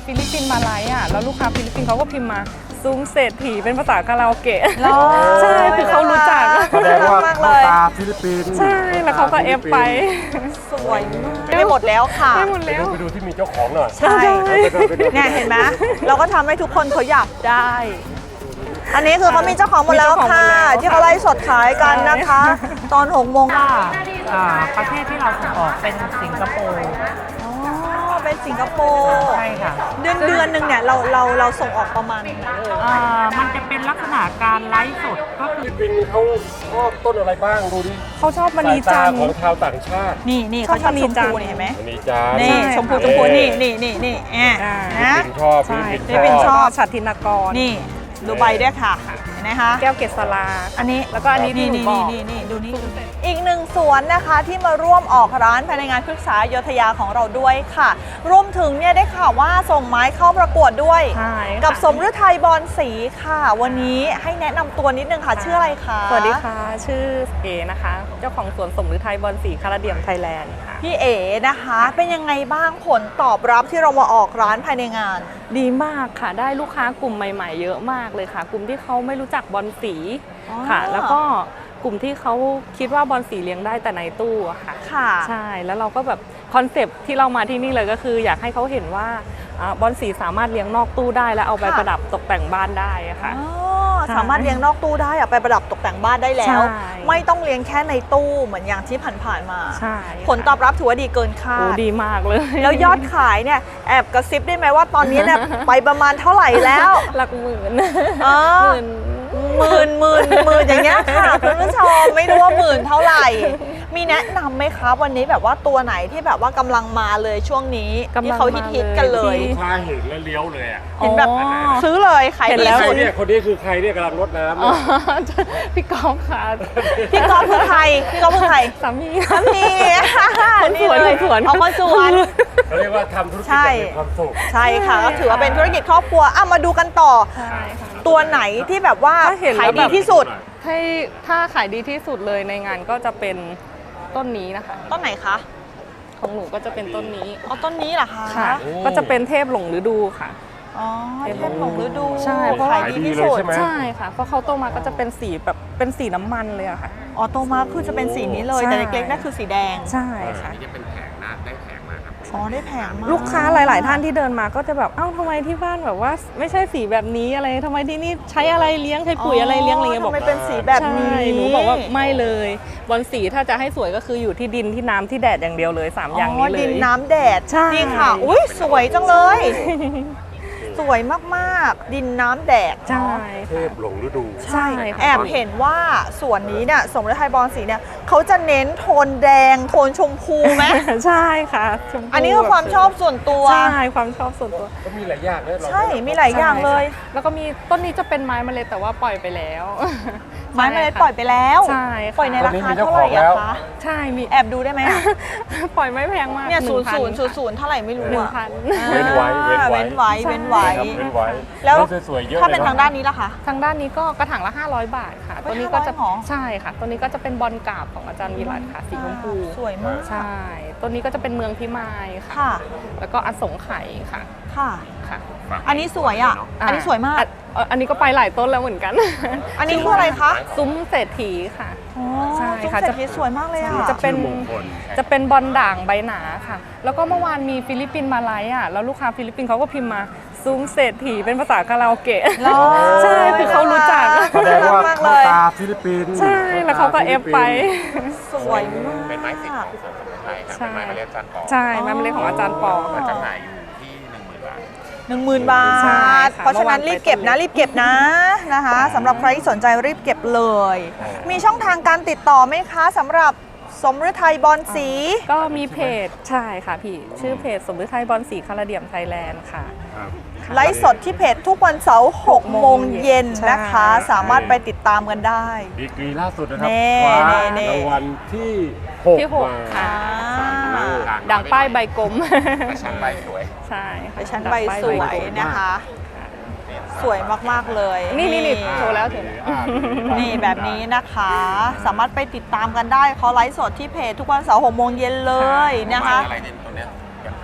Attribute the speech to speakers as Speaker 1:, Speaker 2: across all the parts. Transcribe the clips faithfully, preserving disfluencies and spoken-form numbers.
Speaker 1: ฟิลิปปินส์มาไลฟ์อ่ะแล้วลูกค้าฟิลิปปินส์เขาก็พิมพ์มาซุ้มเศรษฐีเป็นภาษาคาราโอเกะใช่คือเขารู้จัก
Speaker 2: แสดงว่าเข้าตาฟิลิปปินส์
Speaker 1: ใช่แล้วเขาก็เอฟไป
Speaker 3: สวยมากไม่หมดแล้วค่ะ
Speaker 1: ไม่หมดแล้ว
Speaker 2: ไปดูที่มีเจ้าของหน่อย
Speaker 3: ใช่เนี่ยเห็นไหมเราก็ทำให้ทุกคนเขาอยากได้อันนี้คือเขามีเจ้าของหมดแล้วค่ะที่เขาไล่สดขายกันนะคะตอนหกโมงค่ะ
Speaker 4: ประเทศที่เราส่งออกเป็นสิงคโปร์
Speaker 3: อ๋อเป็นสิงคโปร์
Speaker 4: ใช่ค่ะ
Speaker 3: เดือนเดือนหนึ่งเนี่ยเราเราเราส่งออกประมาณไหนเอ่ย
Speaker 4: มันจะเป็นลักษณะการไลฟ์สดก็คือ
Speaker 2: ฟิลิปปินส์เขาชอบต้นอะไรบ้างดูดิ
Speaker 1: เขาชอบมณีจันทร์
Speaker 2: ของชาวต่างชาติ
Speaker 3: นี่นี่เขาชอบชมพูนี่เห็นไหม
Speaker 2: มณีจันทร์
Speaker 3: นี่ชมพูชมพูนี่นี่นี่นี่แอบ
Speaker 2: นะชอบฟิลิปปินส์
Speaker 3: ชอบ
Speaker 1: ฉัตรธินกร
Speaker 3: นี่ดูใบด้วยค่ะนะคะ
Speaker 1: แก้วเกษรา
Speaker 3: อันนี้
Speaker 1: แล้วก็อันนี้
Speaker 3: นี่นี่นี่นี่ดูนี่อีกหนึ่งสวนนะคะที่มาร่วมออกร้านภายในงานพฤกษาอยุธยาของเราด้วยค่ะรวมถึงเนี่ยได้ข่าวว่าส่งไม้เข้าประกวดด้วยกับสมฤทัยบอนศรีค่ะวันนี้ให้แนะนำตัวนิดนึงค่ะชื่ออะไรคะ
Speaker 1: สวัสดีค่ะชื่อเอนะคะเจ้าของสวนสมฤทัยบอนศรีคาราเดียมไทยแลนด์ค่ะ
Speaker 3: พี่เอนะคะเป็นยังไงบ้างผลตอบรับที่เรามาออกร้านภายในงาน
Speaker 1: ดีมากค่ะได้ลูกค้ากลุ่มใหม่ๆเยอะมากเลยค่ะกลุ่มที่เขาไม่รู้จักบอนสีค่ะแล้วก็กลุ่มที่เขาคิดว่าบอนสีเลี้ยงได้แต่ในตู้ค่ะ
Speaker 3: ค่ะ
Speaker 1: ใช่แล้วเราก็แบบคอนเซปต์ที่เรามาที่นี่เลยก็คืออยากให้เขาเห็นว่าบอนสีสามารถเลี้ยงนอกตู้ได้และเอาไปประดับตกแต่งบ้านได้ค่ะ
Speaker 3: สามารถเลี้ยงนอกตู้ได้เอาไปประดับตกแต่งบ้านได้แล้วไม่ต้องเลี้ยงแค่ในตู้เหมือนอย่างที่ผ่านๆมาผลตอบรับถือว่าดีเกินคาด
Speaker 1: ดีมากเลย
Speaker 3: แล้วยอดขายเนี่ยแอบกระซิบได้ไหมว่าตอนนี้เนี่ยไปประมาณเท่าไหร่แล้ว
Speaker 1: หลักหมื่น
Speaker 3: หมื่นหมื่นหมื่นอย่างเงี้ยค่ะคุณผู้ชมไม่รู้ว่าหมื่นเท่าไหร่มีแนะนำไหมคะวันนี้แบบว่าตัวไหนที่แบบว่ากำลังมาเลยช่วงนี้ที่เขาฮิตๆกันเลย
Speaker 2: ลูกค้าเห็นแล้วเลี้ยวเลยอ่ะ
Speaker 3: เห็นแบบซื้อเลยขายดีสุด
Speaker 2: เนี่ยคนนี้คือใครเนี่ยกำลังรดน้
Speaker 1: ำพี่กอล์ฟค่ะ
Speaker 3: พี่กอล์ฟคือใครพี่กอล์ฟคือใคร
Speaker 1: สามี
Speaker 3: สามี
Speaker 1: คนสวนคนสวน
Speaker 3: เอาคนสวน
Speaker 2: เขาเรียกว่าทำธุรกิจแบบมีความสุข
Speaker 3: ใช่ค่ะก็ถือว่าเป็นธุรกิจครอบครัวอ่ะมาดูกันต่อตัวไหนที่แบบว่าขายดีที่สุด
Speaker 1: ให้ถ้าขายดีที่สุดเลยในงานก็จะเป็นต้นนี้นะคะ
Speaker 3: ต้นไหนคะ
Speaker 1: ของหนูก็จะเป็นต้นนี้
Speaker 3: อ๋อต้นนี้เหรอคะ
Speaker 1: ค่ะก็จะเป็นเทพหลงฤดูค่ะ
Speaker 3: อ๋อเทพหลงฤดู
Speaker 1: ใช่เพราะ
Speaker 3: ขายดีที่สุด
Speaker 1: ใช่ค่ะเพราะเขาโตมาก็จะเป็นสีแบบเป็นสีน้ำมันเลยอะค่ะ
Speaker 3: อ๋อโตมาคือจะเป็นสีนี้เลยแต่เล็กๆนั่นคือสีแดง
Speaker 1: ใช่ค่ะ
Speaker 2: นี่จะเป็นแผงนะได้แผงมาครับ
Speaker 3: อ๋อได้แผงมา
Speaker 1: ลูกค้าหลายๆท่านที่เดินมาก็จะแบบเอ้าทำไมที่บ้านแบบว่าไม่ใช่สีแบบนี้อะไรทำไมที่นี่ใช้อะไรเลี้ยงใช้ปุ๋ยอะไรเลี้ยงอะไรเงี้ยบอก
Speaker 3: ทำไมเป็นสีแบบนี้
Speaker 1: หนูบอกว่าไม่เลยบอนสีถ้าจะให้สวยก็คืออยู่ที่ดินที่น้ำที่แดดอย่างเดียวเลยสามอย่างนี้เลย
Speaker 3: ดินน้ำแดด
Speaker 1: ใช่
Speaker 3: ค่ะอุ้ยสวยจังเลยสวยมากๆดินน้ำแดด
Speaker 1: ใช่
Speaker 2: เทพหลงฤดู
Speaker 3: ใช่แอบเห็นว่าส่วนนี้เนี่ยสมฤทัยบอนศรีเนี่ยเขาจะเน้นโทนแดงโทนชมพูไหม
Speaker 1: ใช่ค่ะ
Speaker 3: อันนี้ก็ความชอบส่วนตัว
Speaker 1: ใช่ความชอบส่วนตัว
Speaker 2: ก็มีหลายอย่างเลย
Speaker 3: ใช่มีหลายอย่างเลย
Speaker 1: แล้วก็มีต้นนี้จะเป็นไม้เมล็ดแต่ว่าปล่อยไปแล้ว
Speaker 3: ไม้เมล็ดปล่อยไปแล้ว
Speaker 1: ใช่
Speaker 3: ปล่อยในราคาเท่าไหร่อะคะ
Speaker 1: ใช่มี
Speaker 3: แอบดูได้ไหม
Speaker 1: ปล่อยไม่แพงมาก
Speaker 3: เนี่ยศูนย์ศูนย์ศูนย์ศูนย์เท่าไหร่ไม่รู้อะ
Speaker 2: เว้นไว้เว้นไว้
Speaker 3: เว้นไว้เว้นไว้
Speaker 2: แล้วสวยๆเยอะ
Speaker 3: ถ้าเป็นทางด้านนี้ล่ะคะ
Speaker 1: ทางด้านนี้ก็กระถางละห้าร้อยบาทค่ะตัวนี้ก็จะใช่ค่ะตัวนี้ก็จะเป็นบอลกาบของอาจารย์วิรัตค่ะสีชมพู
Speaker 3: สวยมาก
Speaker 1: ใช่ตัวนี้ก็จะเป็นเมืองพิมายค่ะแล้วก็อสงไขยค่ะ
Speaker 3: ค่ะ
Speaker 1: ค่ะ
Speaker 3: อันนี้สวยอ่ะอันนี้สวยมาก
Speaker 1: อันนี้ก็ไปหลายต้นแล้วเหมือนกัน
Speaker 3: อันนี้คืออะไรคะ
Speaker 1: ซุ้มเศรษฐีค่ะ
Speaker 3: ใช่ค่ะจะสวยมากเลยอ่ะ
Speaker 1: จะเป็นจะเป็นบอลด่างใบหนาค่ะแล้วก็เมื่อวานมีฟิลิปปินส์มาไลฟ์อ่ะแล้วลูกค้าฟิลิปปินส์เขาก็พิมพ์มาซุ้มเศรษฐีเป็นภาษาคาราโอเกะใช่คือเขารู้จัก
Speaker 2: แสดงว่าเข้าตาฟิลิปปินส์
Speaker 1: ใช่แล้วเขาก็เอฟไป
Speaker 3: สวยมาก
Speaker 2: เป็นไม้สิทธิ์ของสวนสมุนไพรครับเป็นไม้เมล็ดอาจารย์ปอ
Speaker 1: ใช่ไม้เมล็ดของอาจารย์ปอ
Speaker 2: จำหน่ายอยู่ที่หนึ่งหมื่นบาท
Speaker 3: หนึ่งหมื่นบาทเพราะฉะนั้นรีบเก็บนะรีบเก็บนะนะคะสำหรับใครที่สนใจรีบเก็บเลยมีช่องทางการติดต่อไหมคะสำหรับสมฤทัยบอนศรี
Speaker 1: ก็มีเพจใช่ค่ะพี่ชื่อเพจสมฤทัยบอนศรีคาราเดียมไทยแลนด์ค่ะ
Speaker 3: ไลฟ์สดที่เพจทุกวันเสาร์หกโมงเย็นนะคะสามารถไปติดตามกันได้
Speaker 2: ดีกรีล่าสุดนะครับรางวัลที่หก
Speaker 1: ค่ะดังป้ายใบกลม
Speaker 2: ชั้นใบสวย
Speaker 1: ใช่
Speaker 3: ชั้นใบสวยนะคะสวยมากๆเลย
Speaker 1: นี่นี่นี่โชว์แล้วถึง
Speaker 3: นี่แบบนี้นะคะสามารถไปติดตามกันได้เขาไลฟ์สดที่เพจทุกวันเสาร์หกโมงเย็นเลยนะคะ
Speaker 2: อะไรเนี่ยตัวเนี้ย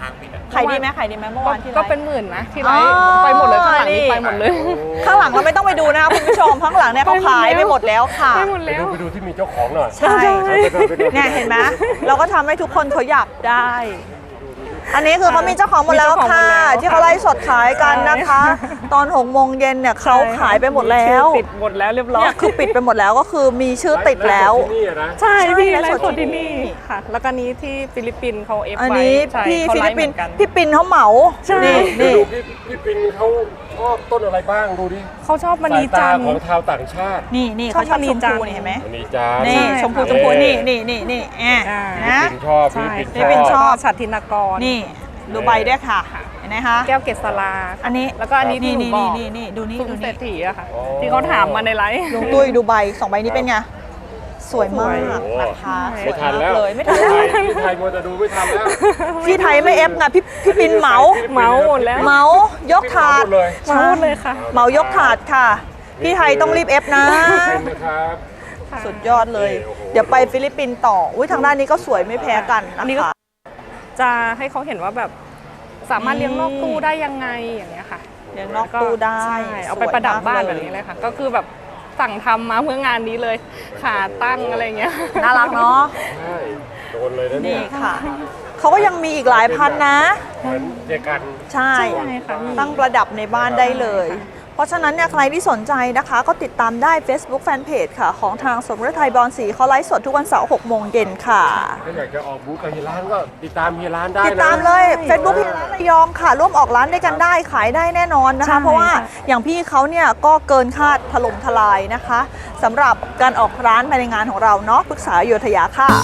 Speaker 3: ขายดีไหมขายดีไหมเมื่อวานที่ไลฟ์
Speaker 1: ก็เป็นหมื่นนะที่ไลฟ์
Speaker 3: อ๋อ
Speaker 1: ไปหมดเลยข้างหลังนี้
Speaker 3: นี่
Speaker 1: ไปหมดเลย
Speaker 3: ข้างหลังเราไม่ต้องไปดูนะคะคุณผู้ชมข้างหลังเนี่ยเขาขายไปหมดแล้วค่ะ
Speaker 1: ไปหมด
Speaker 2: ไป
Speaker 1: แล้ว
Speaker 2: ดูไปดูที่มีเจ้าของหน่อย
Speaker 3: ใช่
Speaker 2: ไปดูไปดู
Speaker 3: เนี่ยเห็นไหมเราก็ทำให้ทุกคนเขาอยากได้ อันนี้คือเขามีเจ้าของหมดแล้ว
Speaker 1: มีเจ้าของหม
Speaker 3: ค่ะ
Speaker 1: ดแล้ว
Speaker 3: ที่เขาไลฟ์สดขายกันนะคะ ตอนหกโมงเย็นเนี่ยเขาขายไปหมดแล้ว
Speaker 1: ปิดหมดแล้วเรียบร้อย
Speaker 3: เนี่ยคือปิดไปหมดแล้วก็คือมีชื่อติดแล้ว
Speaker 2: ที่นี่อะนะ
Speaker 1: ใช่
Speaker 3: ใช่
Speaker 1: พี่
Speaker 3: ไล
Speaker 1: ไล
Speaker 3: ฟ์
Speaker 1: ฟ์
Speaker 3: ส
Speaker 1: ส
Speaker 3: ด
Speaker 1: ด
Speaker 3: ที่
Speaker 1: ที่
Speaker 3: นี่
Speaker 1: นี่ค่ะ แล้วก็นี้ที่ฟิลิปปินส์เขาเอฟ
Speaker 3: อัน
Speaker 1: ไว้
Speaker 3: นี้
Speaker 1: ใช่
Speaker 3: พี่
Speaker 1: เขา
Speaker 3: ฟิ
Speaker 1: ไล
Speaker 3: ลิป
Speaker 1: ฟ์
Speaker 3: ปิ
Speaker 1: เห
Speaker 3: น
Speaker 1: มื
Speaker 3: ส์
Speaker 1: อนกัน
Speaker 3: พี่ปินเขาเหมา
Speaker 1: ใช่
Speaker 3: นี่
Speaker 2: เดี๋ยว
Speaker 3: นี่
Speaker 2: ดูพี่พี่ปินเขาชอบต้นอะไรบ้างดูดิ
Speaker 1: เขาชอบม
Speaker 2: สา
Speaker 1: ณี
Speaker 2: ย
Speaker 1: จั
Speaker 2: ตาน
Speaker 1: ทร์
Speaker 2: ของชาวต่างชาติ
Speaker 3: นี่นี่
Speaker 1: ชอบ
Speaker 3: เขาชอบ
Speaker 1: มณี
Speaker 3: ชม
Speaker 1: จั
Speaker 3: พู
Speaker 1: นทร์
Speaker 3: นี่เห็นไหม
Speaker 2: มณีจันทร์
Speaker 3: นี่
Speaker 1: ใช่
Speaker 3: ชมพูชมพูนี่นี่นี่นี่แอะ
Speaker 1: อ่า
Speaker 3: นะ
Speaker 2: พี่ปินชอบ
Speaker 1: ใช่
Speaker 2: พี่
Speaker 3: พี่
Speaker 2: ปิ
Speaker 3: ปิ่
Speaker 2: น
Speaker 3: น
Speaker 2: ช
Speaker 3: ช
Speaker 2: อ
Speaker 3: อ
Speaker 2: บบ
Speaker 3: ช
Speaker 1: ฉัตรทินกร
Speaker 3: นี่ดูใบด้วยค่ะเห็นไหมคะ
Speaker 1: แก้วเกษรา
Speaker 3: อันนี้
Speaker 1: แล้วก็อันนี้ที่
Speaker 3: นี่
Speaker 1: หนู
Speaker 3: นี่
Speaker 1: บอก
Speaker 3: นี่นี่ดูนี่
Speaker 1: ซุ้ม
Speaker 3: ดู
Speaker 1: เศร
Speaker 3: นี่
Speaker 1: ษฐีอะค่ะ ที่เขาถามมาในไลฟ์
Speaker 3: ลุงตุ้ยดูใบสองใบนี้เป็นไงสวยมาก
Speaker 1: สวย
Speaker 3: นะคะส
Speaker 2: ไม่
Speaker 3: วย
Speaker 2: ทั
Speaker 3: มาน ก
Speaker 2: แล้ว
Speaker 3: เลยไม่ทันแล้ว
Speaker 2: ที่ไทยมัวแต่ดูไม่ทันแล้ว
Speaker 3: ที่ไทยไม่เอฟไงพี่พี่ปินเหมา
Speaker 1: เหมาหมดแล้ว
Speaker 3: เหมายกถาด
Speaker 2: หมดเลย
Speaker 1: มาหมดเลยค่ะ
Speaker 3: เหมายกถาดค่ะ พี่ไทยต้องรีบเอฟนะ
Speaker 2: เป็นนะครับ
Speaker 3: สุดยอดเลย
Speaker 2: โอ้โห
Speaker 3: เดี๋ยวไปฟิลิปปินส์ต่ออุ้ยทางด้านนี้ก็สวยไม่แพ้กัน
Speaker 1: อัน
Speaker 3: นะ
Speaker 1: นี้ก็
Speaker 3: คะ
Speaker 1: จะให้เขาเห็นว่าแบบสามารถ
Speaker 3: นี่
Speaker 1: เลี้ยงนอกตู้ได้ยังไงอย่างเงี้ยค่ะ
Speaker 3: เลี้ยงนอกตู้ได้
Speaker 1: ใช่เอาไปประดับบ้าน
Speaker 3: สวยมาก
Speaker 1: แบบนี้เลยค่ะ ก็คือแบบสั่งทำมาเพื่องานนี้เลยขาตั้งอะไรเงี้ย
Speaker 3: น่ารักเนาะ
Speaker 2: ใช่โดนเลยนะเนี่
Speaker 3: นี่
Speaker 2: ย
Speaker 3: ค่ะเขาก็ยังมีอีกหลายพันนะ
Speaker 2: เหมือนเจกัน
Speaker 3: ใช่
Speaker 1: ใช่ค่ะ
Speaker 3: ตั้งประดับในบ้านได้เลย เพราะฉะนั้นเนี่ยใครที่สนใจนะคะ ก็ติดตามได้ Facebook Fanpage ค่ะ ของทางสมฤทัยบอลสีเขาไลฟ์สดทุกวันเสาร์หกโมงเย็นค่ะ
Speaker 2: ถ้าอยากจะออกบูธกับเฮียร้านก็ติดตามเฮียร้านได้นะ
Speaker 3: ติดตามเลย Facebook พี่ร้านระยองค่ะ ร่วมออกร้านด้วยกันได้ขายได้แน่นอนนะคะ
Speaker 1: ใช่
Speaker 3: เพราะว่า
Speaker 1: ค่ะ
Speaker 3: อย่างพี่เขาเนี่ยก็เกินคาดถล่มทลายนะคะสำหรับการออกร้านภายในงานของเราเนาะปรึกษาโยธยาค่ะ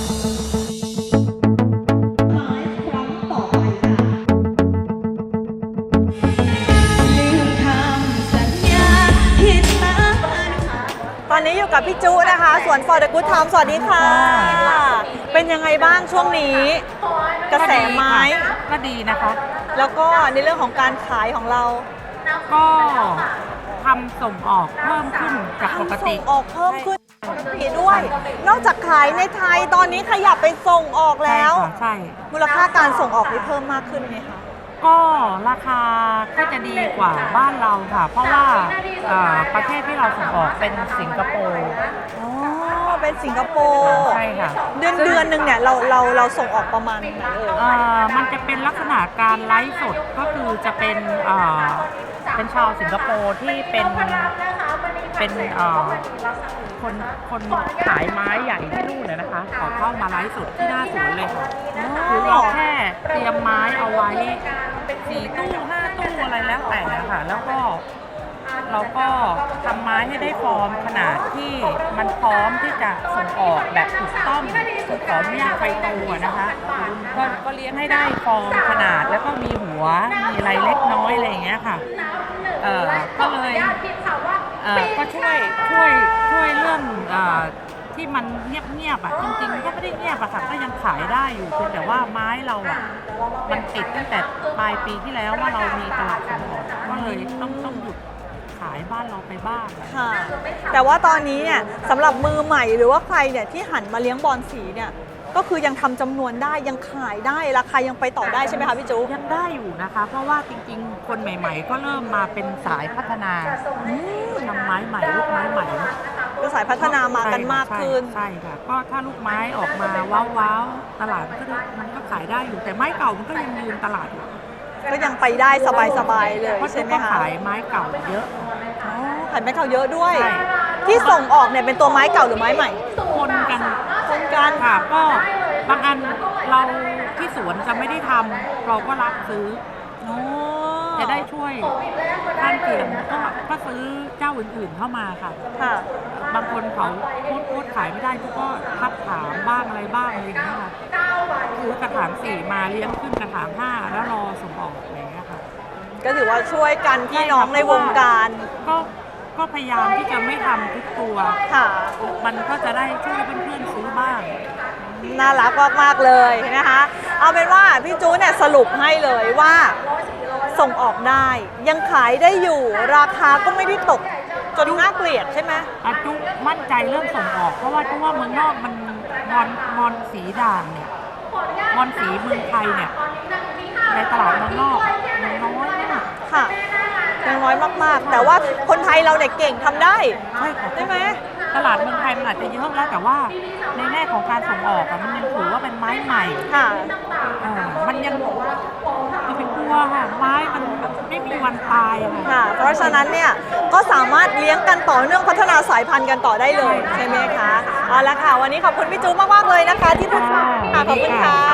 Speaker 3: ตอนนี้อยู่กับพี่จุนะคะสวน For the Good Time สวัสดีค่ะ เป็นยังไงบ้างช่วงนี้ กระแสไม้
Speaker 4: ก็ดีนะคะ
Speaker 3: แล้วก็ในเรื่องของการขายของเรา
Speaker 4: ก็ทำส่งออกเพิ่มขึ้นจากปก
Speaker 3: ทำ
Speaker 4: ติ
Speaker 3: ส่งออกเพิ่มขึ้นปกติด้วย นอกจากขายในไทยตอนนี้ขยับไปส่งออกแล้ว
Speaker 4: ใช่ค่ะใช่
Speaker 3: มูลค่าการส่งออกนี่เพิ่มมากขึ้นไหมคะ
Speaker 4: ก็ราคาก็จะดีกว่าบ้านเราค่ะ เพราะว่าเอ่อประเทศที่เราส่งออกเป็นสิงคโปร์
Speaker 3: อ๋อเป็นสิงคโปร์
Speaker 4: ใช่ค่ะ
Speaker 3: เดือนเดือนหนึ่งเนี่ยเราเราเราส่งออกประมาณไหนเอ่ย
Speaker 4: เอ่อมันจะเป็นลักษณะการไลฟ์สดก็คือจะเป็นเอ่อเป็นชาวสิงคโปร์ที่เป็นเป็นเอ่อคนคนขายไม้ใหญ่ที่นู่นเลยนะคะเขาเข้ามาไลฟ์สดที่หน้าสวนเลยค่ะคือเราแค่เตรียมไม้เอาไว้สี่ตู้ห้าตู้อะไรแล้วแต่ค่ะ แล้วก็เราก็ทำไม้ให้ได้ฟอร์มขนาดที่มันพร้อมที่จะส่งออกแบบถูกต้องคือขออนุญาตไฟโตอะนะคะก็ก็เลี้ยงให้ได้ฟอร์มขนาดแล้วก็มีหัวมีอะไรเล็กน้อยอะไรอย่างเงี้ยค่ะเอ่อก็เลยเอ่อก็ช่วยช่วยช่วยเรื่องเอ่อที่มันเงียบๆอ่ะจริงๆก็ไม่ได้เงียบอะค่ะก็ยังขายได้อยู่เพียงแต่ว่าไม้เราอ่ะมันติดตั้งแต่ปลายปีที่แล้วว่าเรามีตลาดส่งออกก็เลยต้องต้องหยุดขายบ้านเราไปบ้าง
Speaker 3: ค่ะแต่ว่าตอนนี้เนี่ยสำหรับมือใหม่หรือว่าใครเนี่ยที่หันมาเลี้ยงบอลสีเนี่ยก็คือยังทำจำนวนได้ยังขายได้ราคายังไปต่อได้ใช่ไหมคะพี่จุ๊
Speaker 4: ยังได้อยู่นะคะ เพราะว่าจริงๆ คนใหม่ๆ ก็เริ่มมาเป็นสายพัฒนาทำไม้ใหม่ลูกไม้ใหม่
Speaker 3: ก็สายพัฒนามากันมากขึ้น
Speaker 4: ใช่ค่ะก็ถ้าลูกไม้ออกมาว้าวๆตลาดมันก็มันก็ขายได้อยู่แต่ไม้เก่ามันก็ยังยืนตลาดอยู่
Speaker 3: ก็ยังไปได้สบายๆเลย
Speaker 4: เพราะ
Speaker 3: ใช่ไหม
Speaker 4: ก็
Speaker 3: คะ
Speaker 4: ขายไม้เก่าเยอะ
Speaker 3: อ๋อขายไม้เก่าเยอะด้วย
Speaker 4: ใช่
Speaker 3: ที่ส่งออกเนี่ยเป็นตัวไม้เก่าหรือไม้ใหม่
Speaker 4: คนกัน
Speaker 3: คนกัน
Speaker 4: ค่ะก็บางอันเราที่สวนจะไม่ได้ทำเราก็รับซื้อ
Speaker 3: อ๋อ
Speaker 4: จะได้ช่วยข้างเคียงก็ก็ซื้อเจ้าอื่นๆเข้ามาค่ะ
Speaker 3: ค่ะ
Speaker 4: บางคนเขาโคตรโคตรขายไม่ได้ก็ทักถามบ้างอะไรบ้างอะไรอย่างเงี้ยค่ะซื้อกระถางสี่มาเลี้ยงขึ้นกระถางห้าแล้วรอส่งออกอะไรอย่างเงี้ยค่ะ
Speaker 3: ก็ถือว่าช่วยกันพี่น้องในวงการ
Speaker 4: ก็ก็พยายามที่จะไม่ทำทุกตัว
Speaker 3: ค่ะ
Speaker 4: มันก็จะได้ช่วยเพื่อนๆซื้อบ้าง
Speaker 3: น่ารักมากๆเลยนะคะ เอาเป็นว่าพี่จูเนี่ยสรุปให้เลยว่าส่งออกได้ ยังขายได้อยู่ ราคาก็ไม่ได้ตกจนน่าเกลียดใช่ไหม
Speaker 4: อาจุมั่นใจเรื่องส่งออก เพราะว่าจุว่าเมืองนอกมันมอนมอนสีด่างเนี่ยบอลสีเมืองไทยเนี่ยในตลาดเมืองนอกมันน้อยมาก
Speaker 3: ค่ะยังน้อยมากๆ แต่ว่าคนไทยเราเนี่ยเก่งทำได้
Speaker 4: ใช่ค่ะ
Speaker 3: ใช่ไหม
Speaker 4: ตลาดเมืองไทยมันอาจจะเยอะแล้วแต่ว่าในแง่ของการส่งออกอะมันยังถือว่าเป็นไม้ใหม่
Speaker 3: ค่ะ
Speaker 4: อ่ามันยังจะไปกลัวค่ะไม้มันไม่มีวันตายอะค่ะ
Speaker 3: ค่ะ เพราะฉะนั้นเนี่ยก็สามารถเลี้ยงกันต่อเนื่องพัฒนาสายพันธุ์กันต่อได้เลยใช่ไหมคะเอาละค่ะ วันนี้ขอบคุณพี่จูมากๆเลยนะคะ ที่พูดคุยค่ะขอบคุณค่ะ